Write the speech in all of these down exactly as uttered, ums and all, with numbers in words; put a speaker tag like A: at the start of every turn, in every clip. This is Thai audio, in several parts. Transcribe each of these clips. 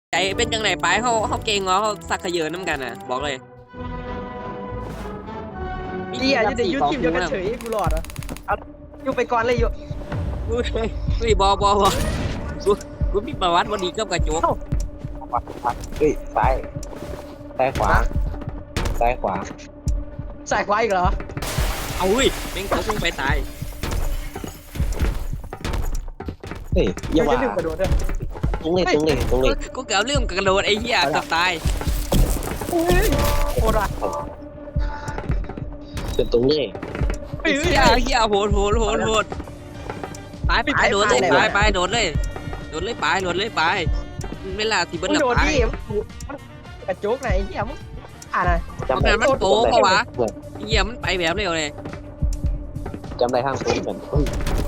A: ใจเป็นจังไหนไปเขาเขาเก่งเหรอเขาสักขยเยอน้ำกันอ่ะบอกเลย
B: เฮียอยู่ในยูทีมเดียวกันเฉยกูหลอดอ่ะเอาอยู่ไปก่อนเลยอยู่
A: กูกูบอบอบอกูกูมีประวัติวันดีกับกระจก
C: เฮ้ยซ้ายซ้ายขวาซ้ายขวา
B: ใส่ควายอีกเหรอ
A: เอาเว้ยแม่งเขาคงไปตาย
C: เฮ้ยอย่าว่า
B: ลืมกระโดดด้วย
C: ตรงเลยตรงเลยตรงเลย
A: กูเกือบลืมกระโดดไอ้เหี้ยเกือบตาย
B: โอ้ยโคตรอ่ะ
C: เป็นตรงเลย
A: ไอ้เหี้ยเหี้ยโหดโหดโหดโหดไปไปโดดเลยไปไปโดดเลยโดดเลยไปโดดเลยไปเวลาที่เบิ้ล
B: มึง
A: ละ
B: โดด
A: ไป
B: ดิมันกระโจกไหนเฮียมึงอ่านอะไร
C: จำได้
A: มันโป๊ะปะวะเหี้ยมันไปแบบเร็วเลย
C: จำได้ข้างตรงกันเฮ้ย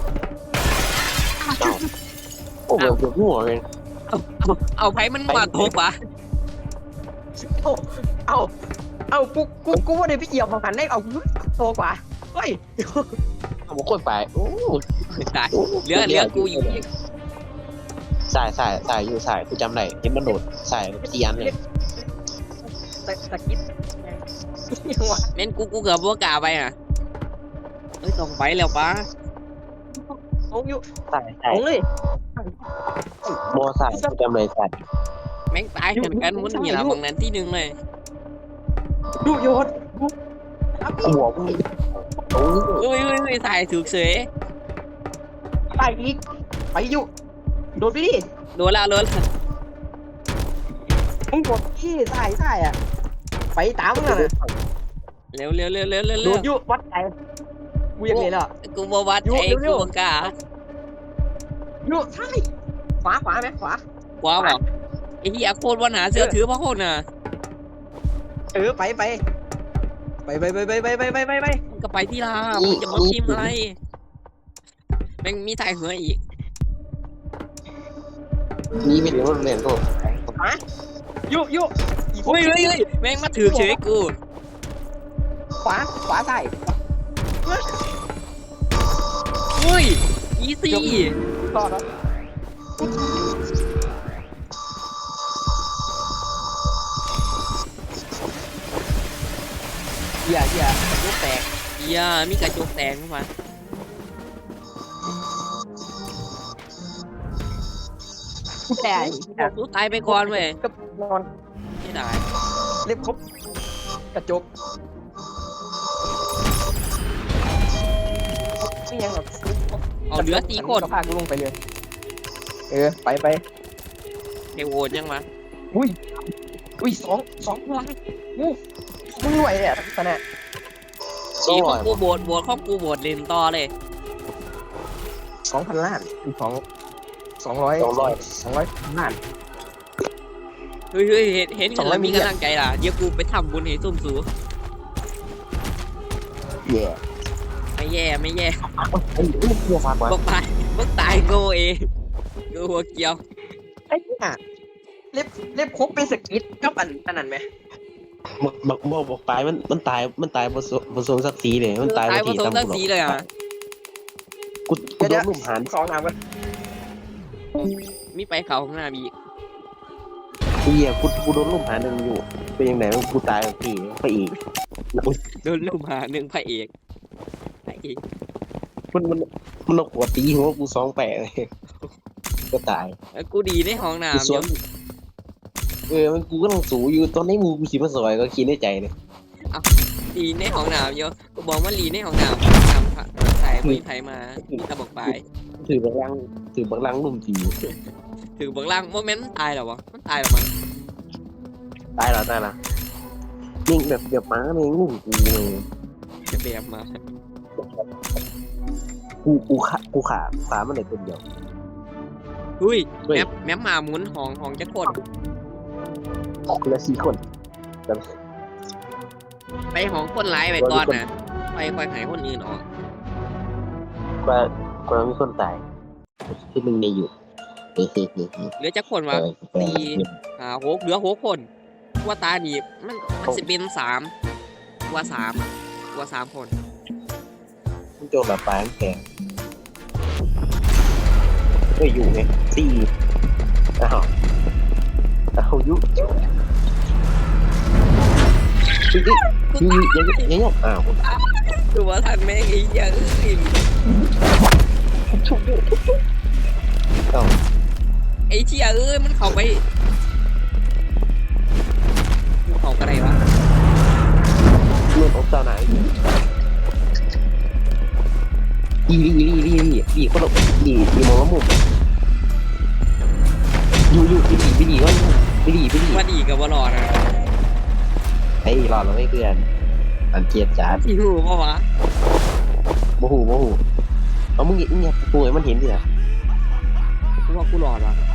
C: โอ้โหเกือบหัวเลย
A: เอาเอาเอาไผมันมาทบวะ
B: เอาเอาเอากูกูกูว่าเดี๋ยวพี่เอี่ยวมาหันได้เอาโตกว่าเฮ้ย
C: เอาบุคคลไปโอ้
A: ตายเหลือเหลือกูอยู่อีก
C: สายสายสายอยู่สายกูจำได้เห็นมันโดดสายเตียนเลย
B: ตะตะกิดยังวะ
A: เม่นกูกูเกือบบัวกาไปอ่ะเอ้ยต้องไปแล้วปะ
B: ลงอยู่
C: สายสา
B: ล
C: ย
B: งเลย
C: โมสายกูจำได้สาย
A: แม่งตายเหมือนกันมันนี่ละบางนั้นที่หนึ่งเลย
B: ดูโยน
C: หัวมึงโอ้ย
A: เอ้ยเอ้ยเอ้ยตายถูกเสย
B: ไปอีกไปอยู่โดดไปดิ
A: โดนละโดนละ
B: มึงกดที่ใส่ใส่อ่ะไปตามมึงน่ะ
A: เร็วเร็วเร็วเร็วเร็ว
B: โด
A: เร็ว
B: ดอยู่วัดใจกูยังเลยล่ะ
A: กูบวัดไอ้กูบังกา
B: อยู่ใช่ขวาขวาไหมขวา
A: ขวาเปล่าไอ้เหี้ยโคตรวันหาเสือถือพระโคตรน่ะ
B: เออไปไปไปไปไปไปไปไปไปไปไป
A: มึงก็ไปที่ลามึงจะมาพิมพ์อะไรแม่งมีถ่ายหัวอีก
C: นี่ไม่ถึงรถเล่นก็
B: อยู่อยู่
A: เฮ้ยเฮ้ยเฮ้ยแม่งมาถือเฉยกู
B: ขวาขวาใส่
A: เฮ้ยอีซี่
B: ต่อแล้วเหี้ยเหี้ยลูกแตก
A: เหี้ยมีกระจกแตกเข้ามา
B: แตก
A: กูตายไปก่อนเว้ย
B: กับนอน
A: ไม่ได้
B: เล็บครบกระจกไม่ยังหรอก
A: เอาเหลือสี่คน
B: ก็พากูลงไปเลยเออไปไป
A: เฮโวดยังวะ
B: อุ้ยอุ้ยสองสองพลังอู้มึงรวยเนี่ยตอนนี้
A: สีของกูโบดโบดของกูโบดเล่นต่อเลย
B: สองพันล้านอีกสองสองร้อย
C: สองร้อย
B: สองร้อยล้าน
A: เฮ้ยเฮ้ยเห็นเห็น
B: สองร้อย
A: มี
B: มิลลิ
A: กำลังใจล่ะเดี๋ยวกูไปทำบุญให้ส้มสู
C: แย่
A: ไม่แย่ไม่แย่
C: ไอ้ลูกเรือฝากไว้
A: พวกตายพวกตายโง่เองกูหัวเกียว
B: ไอ้เนี่ยเล็บเล็บครบเป็นสกิทกับอันอันนั้นไหม
C: บอกบอกบอกบอกตายมันมันตายมันตายบนบนโซนสักสีเลยมันตาย
A: ตาย
C: บน
A: ผ
C: ที
A: สม
C: ตำ
A: ตั้ง
C: กู
A: สีเลยอ่ะ
C: กูกูโดนลุ่มหัน
B: สองน้ำกัน
A: มีไปเขาข้างหน้ามี
C: เฮียกูกูโดนลุ่มหันหนึ่งอยู่เป็นยังไงกูตายบางทีไปอีก
A: โดนลูกหาหนึ่งพระเอกพระเอก
C: มันมันมันเอาขวดตีหัวกูสองแปะเลยก็ตาย
A: แล้วกูดีในห้อง
C: กู
A: น้ำ
C: สว
A: เดี๋ย
C: น
A: ว
C: เออมันกูก็ต้องสูอยู่ตอนนี้มึงกูขี่มาสวยก็คิดในใจเลย
A: ดีในห้องน้ำเดี๋ยอะกูบอกว่าลีในห้องน้ำห้องน้ำพระถ่ายมีไทยมามีตะบอกไป
C: ถือบักลังถือบักลังลุ่มตี
A: ถือเบื้องล่างโมเมนต์ตายหรอวะมันตายหรอมั้ง
C: ตายแล้วตายแล้วยิ่งแบบแบบม้าเนี่ยลุ่มกูเลย
A: จะแบบมา
C: กูกูขากูขาขามันเลยคนเดียว
A: หุ้ย
C: เฮ้ย
A: แมปแมปมาหมุนห้องห้องจะกด
C: คนละสี่คน
A: ไปห้องคนร้ายไปก่อนนะไปคอยหายคนอื่นออก
C: ก็ก็มีคนตายที่มึงในอยู่เฮ้ยเฮ้ยเฮ้ยเฮ้ย
A: เหลือจะคนวะสี่หาหกเหลือหกคนว่าตาดีมันมันสิเป็นสามว่าสามว่าสามคน
C: มึงโจมแบบปลายแข็งก็อยู่ไงสี่อ้าวยุยุยุยุยุยุยุยุยุอ้าว
A: ดูว่าทันแม่งไอ้เหี้ยเอ้ย
C: ชุบยุชุบยุเอ้า
A: ไอ้เหี้ยเอ้ยมันเข้าไปมันเข้ากันไหนวะ
C: เลื่อนออกตาไหนอีลีอีลีอีลีอีลีอีคนละอีอีมองละมุมอยู่อยู่อีลีอีลีว่าอีลีอีลี
A: ว่าดีกับว่ารอนะ
C: ไอ้รอเราไม่เพื่อนอันเกียดจ้า
A: ที่หูปะวะ
C: โมโหโมโหเอามึงเงียบกูไอ้มันเห็นดิอ่ะ
A: กูว่ากูรอดวะ